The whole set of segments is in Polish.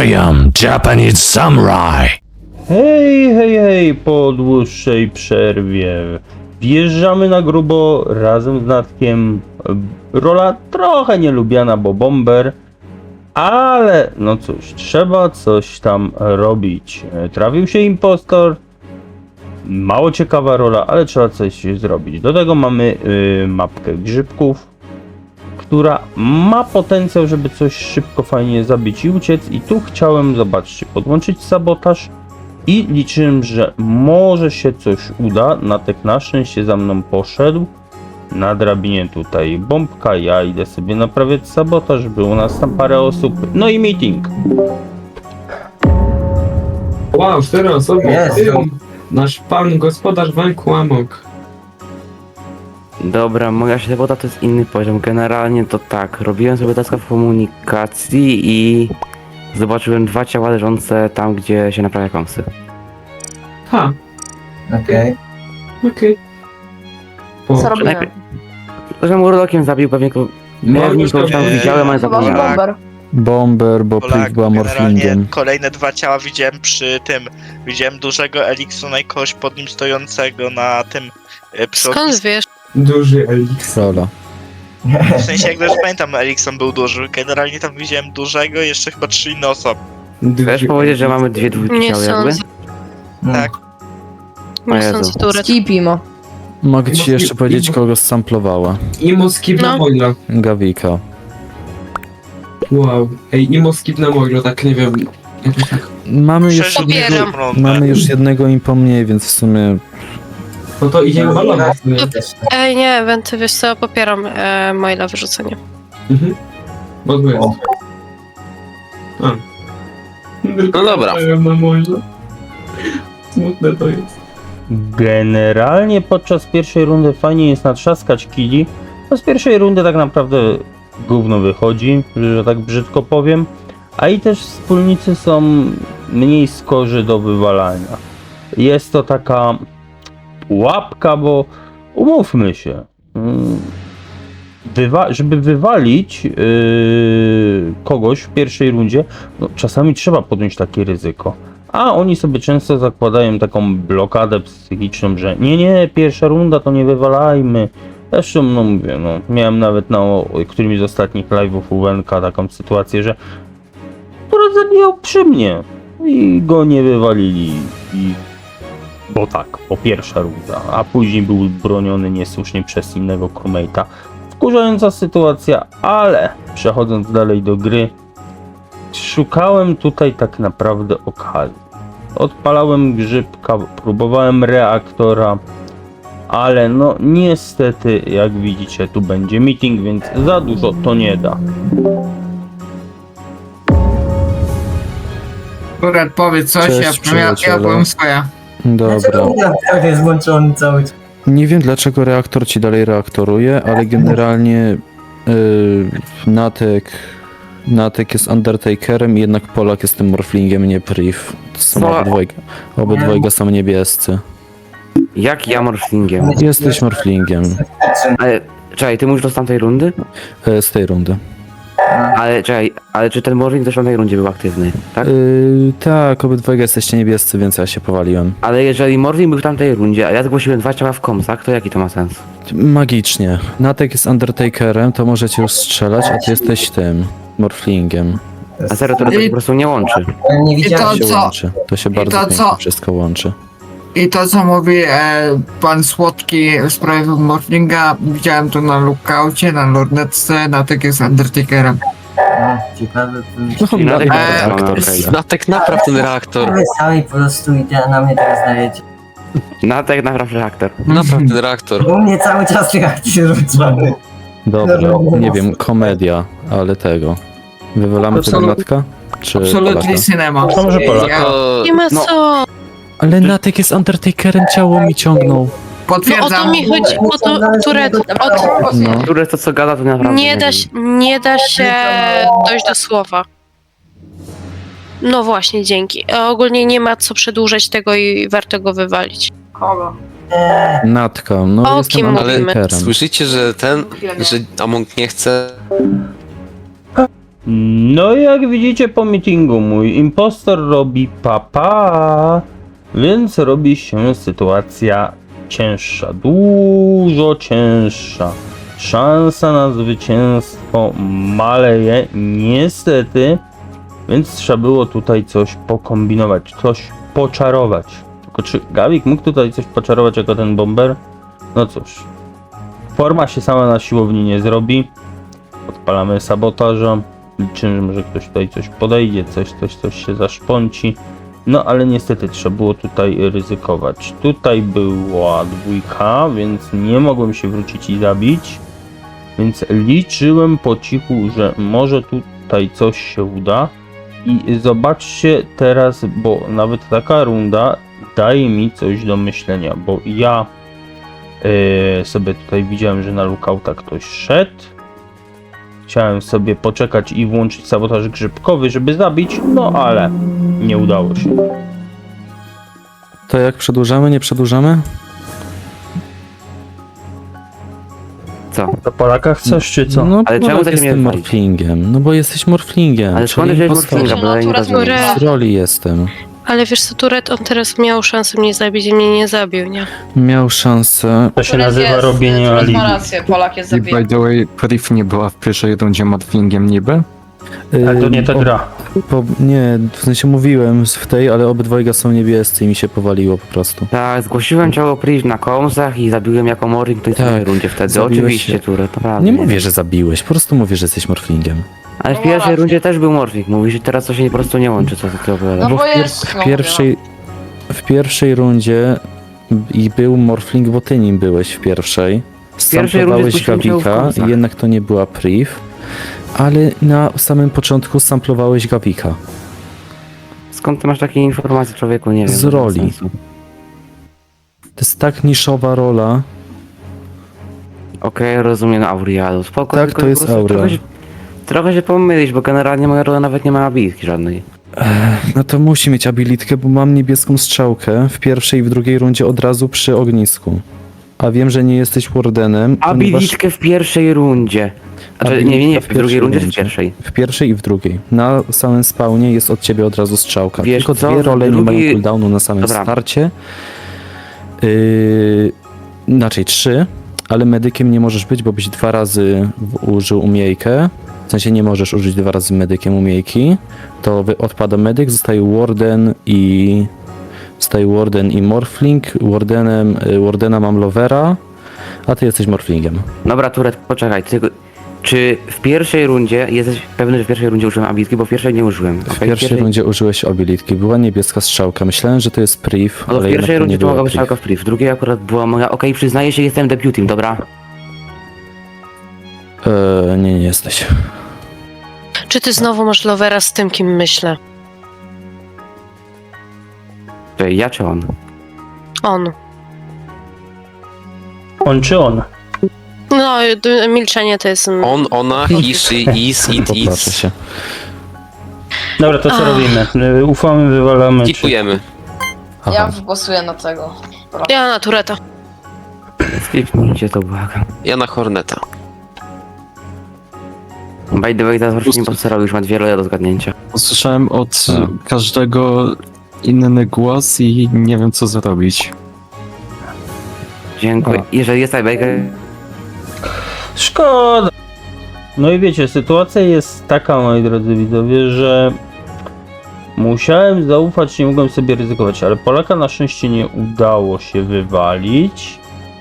I am Japanese Samurai. Hej, po dłuższej przerwie wjeżdżamy na grubo razem z Natkiem. Rola trochę nielubiana, bo bomber, ale no cóż, trzeba coś tam robić. Trafił się impostor, mało ciekawa rola, ale trzeba coś zrobić. Do tego mamy mapkę grzybków, która ma potencjał, żeby coś szybko, fajnie zabić i uciec. I tu chciałem, zobaczcie, podłączyć sabotaż i liczyłem, że może się coś uda. Natek na szczęście za mną poszedł. Na drabinie tutaj bombka, ja idę sobie naprawiać sabotaż, było nas tam parę osób. No i meeting. Wow, 4 osoby. Jest. Nasz pan gospodarz banku Amok. Dobra, moja ślepota to jest inny poziom. Generalnie to tak, robiłem sobie taska w komunikacji i zobaczyłem 2 ciała leżące tam, gdzie się naprawia kąsy. Ha, Okej. okej. Co robiłem? Że Murlokiem zabił pewnie kogoś tam widziałem, ale Chyba zapomniałem. bomber. Bomber, bo Polak, Prick była generalnie morflingiem. kolejne 2 ciała widziałem przy tym. Widziałem dużego Eliksona i kogoś pod nim stojącego na tym Skąd wiesz? Duży Elix. Rola. W sensie jak też pamiętam, Elikson był duży. Generalnie tam widziałem dużego, jeszcze chyba 3 inne osoby. Chcesz powiedzieć, że mamy 2 dwójki Nie ciał jakby? sądzę. Tak. O Nie Jezu. sądzę, Turet. Skipimo. Mogę ci jeszcze powiedzieć, kogo samplowała. Imo skip na No. Moilo. Gawika. Wow. Ej, Imo skip na Moilo, tak nie wiem. Jakoś tak. Mamy już, Przecież Popieram. jednego, rundę. mamy już jednego impo mniej, więc w sumie No to idziemy balować. Ej, nie, Wenty, wiesz co, popieram maila wyrzucenie. Mhm. Bo tu jest. A. No dobra. Na Moilo. Smutne to jest. Generalnie podczas pierwszej rundy fajnie jest natrzaskać killi, bo z pierwszej rundy tak naprawdę gówno wychodzi, że tak brzydko powiem, a i też wspólnicy są mniej skorzy do wywalania. Jest to taka pułapka, bo umówmy się, żeby wywalić kogoś w pierwszej rundzie, no, czasami trzeba podjąć takie ryzyko. A oni sobie często zakładają taką blokadę psychiczną, że nie, pierwsza runda to nie wywalajmy. Zresztą, no mówię, no, miałem nawet na którymś z ostatnich live'ów u Wenka taką sytuację, że akurat zabijał przy mnie i go nie wywalili. Bo tak, po pierwsza runda, a później był broniony niesłusznie przez innego crewmate'a. Wkurzająca sytuacja, ale przechodząc dalej do gry, szukałem tutaj tak naprawdę okazji. Odpalałem grzybka, próbowałem reaktora, ale no niestety, jak widzicie, tu będzie meeting, więc za dużo to nie da. Turet, powiedz coś, Cześć, ja przyjaciele. powiem swoje. dobra. Reaktor jest włączony cały czas. Nie wiem dlaczego reaktor ci dalej reaktoruje, ale generalnie Natek jest Undertakerem i jednak Polak jest tym morflingiem, nie Priv. Są obydwojga są niebiescy. Jak ja morflingiem? Jesteś morflingiem Ale, czekaj, ty mówisz do tamtej rundy? z tej rundy. Ale czekaj, ale czy ten morfling też w tamtej rundzie był aktywny, tak? Tak, obydwojga jesteście niebiescy, więc ja się powaliłem. Ale jeżeli morfling był w tamtej rundzie, a ja zgłosiłem 2 ciała w komsach, to jaki to ma sens? Magicznie. Natek jest Undertakerem, to możecie już strzelać, a ty jesteś tym morflingiem. A serio, to po prostu nie łączy. Nie I widziałem. to To się co? łączy. To się I bardzo to pięknie co? wszystko łączy. I to co mówi pan Słodki w sprawie Morflinga, widziałem to na lookoutie, na lornetce, na tak jest Undertakerem. Ciekawe, No, Czyli Natek Natek ma reaktor. okej. Natek napraw ten reaktor. wy sami po prostu na mnie teraz dajecie. Natek naprawdę reaktor. Napraw ten reaktor. U mnie cały czas reakcje rzucamy. Dobra, nie wiem, komedia, ale tego. Wywalamy tego Natka? Czy Absolutnie Polaka? cinema. To może Polak. Ja To... Nie ma No. co. Ale Natek jest Undertakerem, ciało mi ciągnął. No o potwierdzam. to mi chodzi, o to, Turet, No. Które to co gada, to naprawdę nie da się dojść do słowa. No właśnie, dzięki. A ogólnie nie ma co przedłużać tego i warto go wywalić. Kogo? Natka, no O jestem kim mówimy? Undertakerem. Słyszycie, że Among nie chce... No i jak widzicie po meetingu, mój impostor robi papa, więc robi się sytuacja cięższa, dużo cięższa. Szansa na zwycięstwo maleje, niestety, więc trzeba było tutaj coś pokombinować, coś poczarować. Tylko czy Gawik mógł tutaj coś poczarować jako ten bomber? No cóż, forma się sama na siłowni nie zrobi. Odpalamy sabotaża. Liczymy, że ktoś tutaj coś podejdzie, coś się zaszpąci. No ale niestety trzeba było tutaj ryzykować. Tutaj była dwójka, więc nie mogłem się wrócić i zabić. Więc liczyłem po cichu, że może tutaj coś się uda. I zobaczcie teraz, bo nawet taka runda daje mi coś do myślenia, bo ja sobie tutaj widziałem, że na lookouta ktoś szedł. Chciałem sobie poczekać i włączyć sabotaż grzybkowy, żeby zabić, no ale nie udało się. To jak przedłużamy, nie przedłużamy? Co? Do Polaka chcesz, czy co? No, Ale czemu Polak tak mnie jestem walić? morflingiem. No bo jesteś morflingiem. Ale skąd czyli wziąłeś impostor. morflinga, bo ja nie Natura rozumiem. zgóra. Z roli jestem. Ale wiesz co, Turet, on teraz miał szansę mnie zabić i mnie nie zabił, nie? Miał szansę. To się nazywa robienie alibi. rację, Polak jest I by the way, Priv nie była w pierwszej rundzie morflingiem niby? Ale to nie ta gra. Nie, w sensie mówiłem w tej, ale obydwojga są niebiescy i mi się powaliło po prostu. Tak, zgłosiłem ciało Priv na komsach i zabiłem jako Morring, to jest w Tak, tej rundzie wtedy. zabiłeś Oczywiście, się. Turet, naprawdę. Nie mówię, że zabiłeś, po prostu mówię, że jesteś morflingiem. Ale w No pierwszej rację. rundzie też był Morphing, mówisz, że teraz to się po prostu nie łączy, co ty opowiadasz. No bo w jest, w pierwszej rundzie i był morfling, bo ty nim byłeś w pierwszej. pierwszej rundzie Samplowałeś zgłosiłem cię w Gawika, komsach. jednak to nie była Priv, ale na samym początku samplowałeś Gawika. Skąd ty masz takie informacje, człowieku? Nie wiem. Z to bez roli. sensu. To jest tak niszowa rola. Okej, rozumiem, Aurialu. Spoko, Tak, tylko to po jest prostu Aurea. Trochę się pomylić, bo generalnie moja rola nawet nie ma abilitki żadnej. No to musi mieć abilitkę, bo mam niebieską strzałkę w pierwszej i w drugiej rundzie od razu przy ognisku. A wiem, że nie jesteś wardenem, ponieważ Abilitkę w pierwszej rundzie. Znaczy, nie, Abilitka w drugiej rundzie czy w pierwszej? w pierwszej i w drugiej. Na samym spawnie jest od ciebie od razu strzałka. Wiesz Tylko co, dwie role nie drugi- mają cooldownu na samym Dobra. starcie. Inaczej 3, ale medykiem nie możesz być, bo byś 2 razy użył umiejkę. W sensie nie możesz użyć 2 razy medykiem umiejki. To odpada medyk, zostaje warden i morfling. Wardena mam lovera, a ty jesteś morflingiem. Dobra, Turet, poczekaj. Czy w pierwszej rundzie, jesteś pewny, że w pierwszej rundzie użyłem abilitki, bo w pierwszej nie użyłem. W pierwszej rundzie użyłeś abilitki, była niebieska strzałka. Myślałem, że to jest priv, No to ale w jednak pierwszej to rundzie nie to mogła była być strzałka priv. w priv. W drugiej akurat była moja, okej, przyznaję się, jestem deputym, dobra? Nie jesteś. Czy ty znowu masz lovera z tym, kim myślę? Czy ja czy on? On. On czy on? No, milczenie to jest... On, ona, he, she, is, it, Popatrzę it's. się. Dobra, to co Ach. robimy? Ufamy, wywalamy, czy... Kikujemy. Ja głosuję na tego. Ja na Tureta. Skipnijcie to, błagam. Ja na Horneta. By the way, teraz właśnie impostora już ma 2 role do zgadnięcia. Usłyszałem od każdego inny głos i nie wiem co zrobić. Dziękuję. Jeżeli jest tiebreaker, Szkoda. No i wiecie, sytuacja jest taka, moi drodzy widzowie, że musiałem zaufać, nie mogłem sobie ryzykować, ale Polaka na szczęście nie udało się wywalić,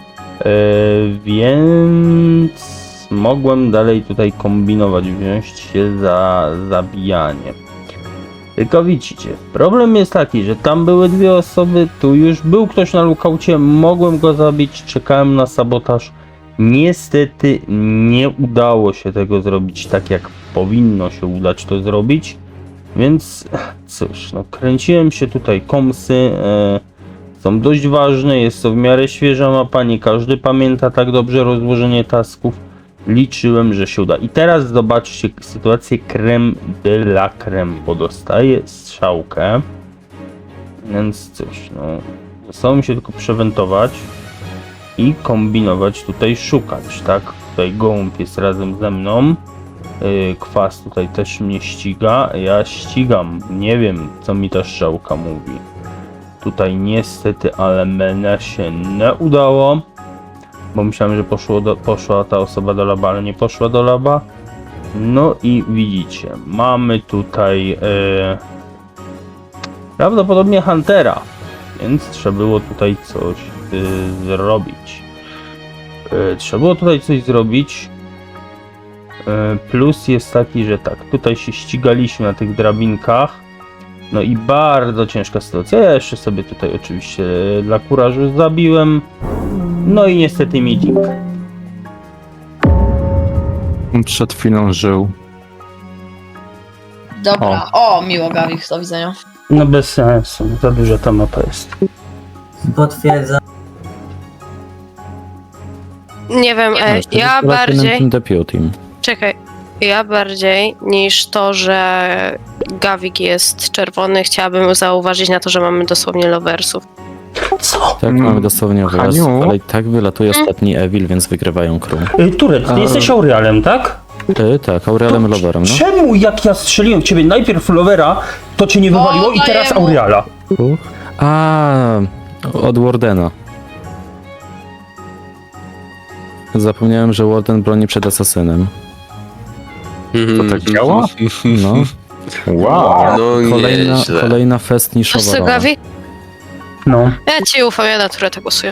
więc mogłem dalej tutaj kombinować, wziąć się za zabijanie. Tylko widzicie, problem jest taki, że tam były 2 osoby, tu już był ktoś na lookoucie, mogłem go zabić, czekałem na sabotaż. Niestety nie udało się tego zrobić tak, jak powinno się udać to zrobić, więc cóż, no kręciłem się tutaj, komsy są dość ważne, jest to w miarę świeża mapa, nie każdy pamięta tak dobrze rozłożenie tasków, liczyłem, że się uda. I teraz zobaczcie sytuację creme de la creme, bo dostaję strzałkę, więc cóż, no zostało mi się tylko przewentować i kombinować tutaj, szukać, tak? Tutaj gołąb jest razem ze mną. Kwas tutaj też mnie ściga. Ja ścigam. Nie wiem, co mi ta strzałka mówi. Tutaj niestety, ale mnie się nie udało. Bo myślałem, że poszła ta osoba do laba, ale nie poszła do laba. No i widzicie, mamy tutaj prawdopodobnie Huntera, więc trzeba było tutaj coś zrobić. Plus jest taki, że tak, tutaj się ścigaliśmy na tych drabinkach. No i bardzo ciężka sytuacja. Ja jeszcze sobie tutaj oczywiście dla kurażu zabiłem. No i niestety meeting. Przed chwilą żył. Dobra. O, miło, Gawik, do widzenia. No bez sensu, za duża ta mapa jest. Potwierdzam. Nie wiem, To ja jest bardziej... Deputy. Czekaj. Ja bardziej niż to, że Gawik jest czerwony, chciałabym zauważyć na to, że mamy dosłownie loversów. Co? Tak, mamy dosłownie wyraz, Haniu? ale i tak wylatuje ostatni Evil, więc wygrywają crew. Turet, ty jesteś Aurealem, tak? Tak, Aurelem Loverem, no. Czemu jak ja strzeliłem w ciebie najpierw Lovera, to cię nie wywaliło i teraz daję mu. Aureala? A, od Wardena. Zapomniałem, że Warden broni przed asasynem. To tak działa? No. Wow. No nieźle. Kolejna fest niszowa Wiesz co, rola. Gawik? No. Ja ci ufam, ja na Tureta głosuję.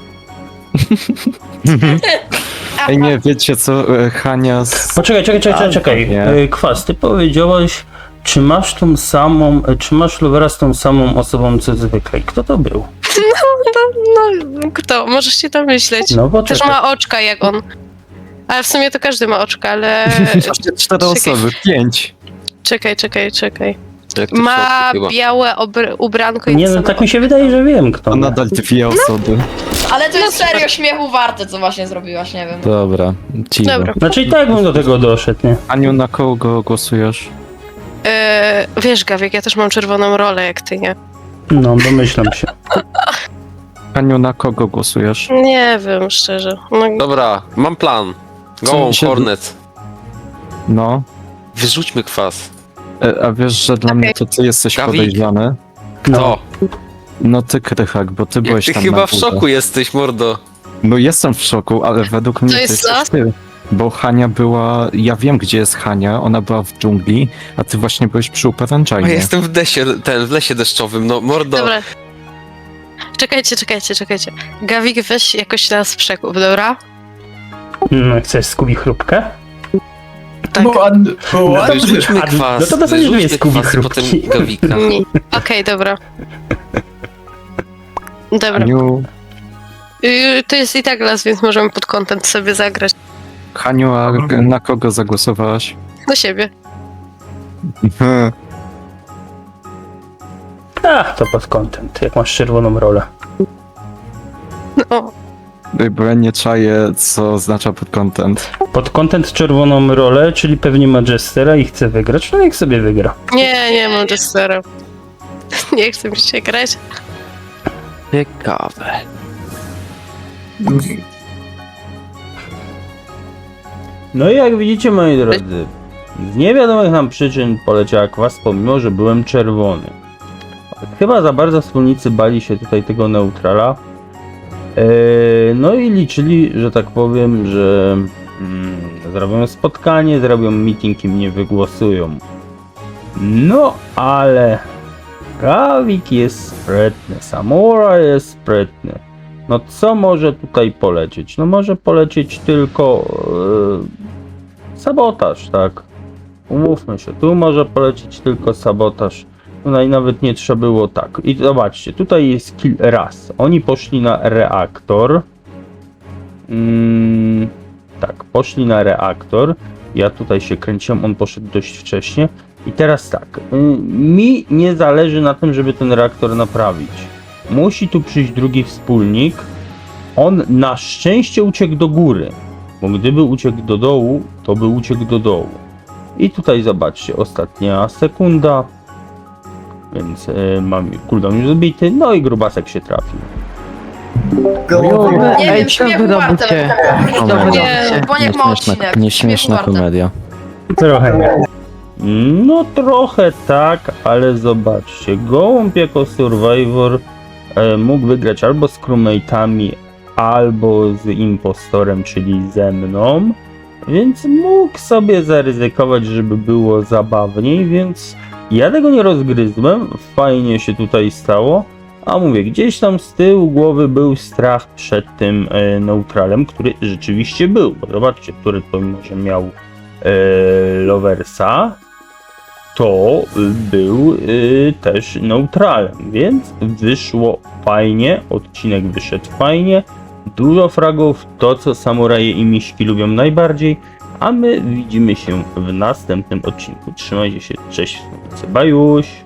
Ej, nie, wiecie co, Hania z... Poczekaj. Nie. Kwas, ty powiedziałeś, czy masz Lovera z tą samą osobą co zwykle. Kto to był? No, kto? Możesz się tam myśleć. No Też poczekaj. ma oczka jak on. Ale w sumie to każdy ma oczka, ale... 4 osoby, 5. Czekaj. Jak to w Ma środku chyba. białe ubranko i Nie, to no samo tak mi się wydaje, że wiem kto. To nadal 2 osoby. Ale to jest serio śmiechu warte, co właśnie zrobiłaś, nie wiem. Dobra, cicho. Dobra. Znaczy i tak bym do tego doszedł, nie? Aniu, na kogo głosujesz? Wiesz, Gawik, ja też mam czerwoną rolę jak ty, nie? No, domyślam się. Aniu, na kogo głosujesz? Nie wiem, szczerze. No, Dobra, mam plan. Co Go, mi się- Hornet. No. Wyrzućmy kwas. A wiesz, że dla mnie to ty jesteś Gawik. podejrzany? Kto? No ty, Krychak, bo ty Jak byłeś ty tam chyba na w górze. szoku jesteś, mordo. No jestem w szoku, ale według mnie to jest jesteś co? ty. Bo Hania była... Ja wiem, gdzie jest Hania, ona była w dżungli, a ty właśnie byłeś przy A uperanczańnie. ja jestem w lesie deszczowym, no mordo. dobra. Czekajcie. Gawik, weź jakoś nas przekup, dobra? Chcesz skubi chrupkę? Tak. Wyrzućmy kwas. No to w zasadzie nie jest Wyrzućmy kwas i Kubi potem chrupki. Gawika. Nie. Okej, dobra. Dobra. Haniu, To jest i tak las, więc możemy pod content sobie zagrać. Haniu, a na kogo zagłosowałaś? Do siebie. To pod content, jak masz czerwoną rolę. No. Bo ja nie czaję, co oznacza pod content. Pod content czerwoną rolę, czyli pewnie ma Jestera i chce wygrać, no niech sobie wygra. Nie mam Jestera. Nie chcę mi się grać. Ciekawe. No i jak widzicie, moi drodzy, z niewiadomych nam przyczyn poleciała kwas, pomimo że byłem czerwony. Chyba za bardzo wspólnicy bali się tutaj tego neutrala. No i liczyli, że tak powiem, że zrobią spotkanie, zrobią meeting i mnie wygłosują. No ale Gawik jest sprytny, Samurai jest sprytny. No co może tutaj polecieć? No może polecieć tylko sabotaż, tak? Umówmy się, tu może polecieć tylko sabotaż. Tutaj nawet nie trzeba było tak. I zobaczcie, tutaj jest kill raz. Oni poszli na reaktor. Tak, poszli na reaktor. Ja tutaj się kręciłem, on poszedł dość wcześnie. I teraz tak, mi nie zależy na tym, żeby ten reaktor naprawić. Musi tu przyjść drugi wspólnik. On na szczęście uciekł do góry, bo gdyby uciekł do dołu, to by uciekł do dołu. I tutaj zobaczcie, ostatnia sekunda. Więc mam cooldown już zbity, no i grubasek się trafił. Nie wiem, śmiechu warte. Nie, Bo niech ma odcinek. Nieśmieszna Śmiechu warte. komedia. Trochę nie. No trochę tak, ale zobaczcie, Gołąb jako Survivor mógł wygrać albo z crewmate'ami, albo z impostorem, czyli ze mną, więc mógł sobie zaryzykować, żeby było zabawniej, więc ja tego nie rozgryzłem, fajnie się tutaj stało, a mówię, gdzieś tam z tyłu głowy był strach przed tym neutralem, który rzeczywiście był, bo zobaczcie, który to może miał Loversa, to był też neutralem, więc wyszło fajnie, odcinek wyszedł fajnie, dużo fragów, to co samuraje i miśki lubią najbardziej, a my widzimy się w następnym odcinku. Trzymajcie się, cześć, bajuś!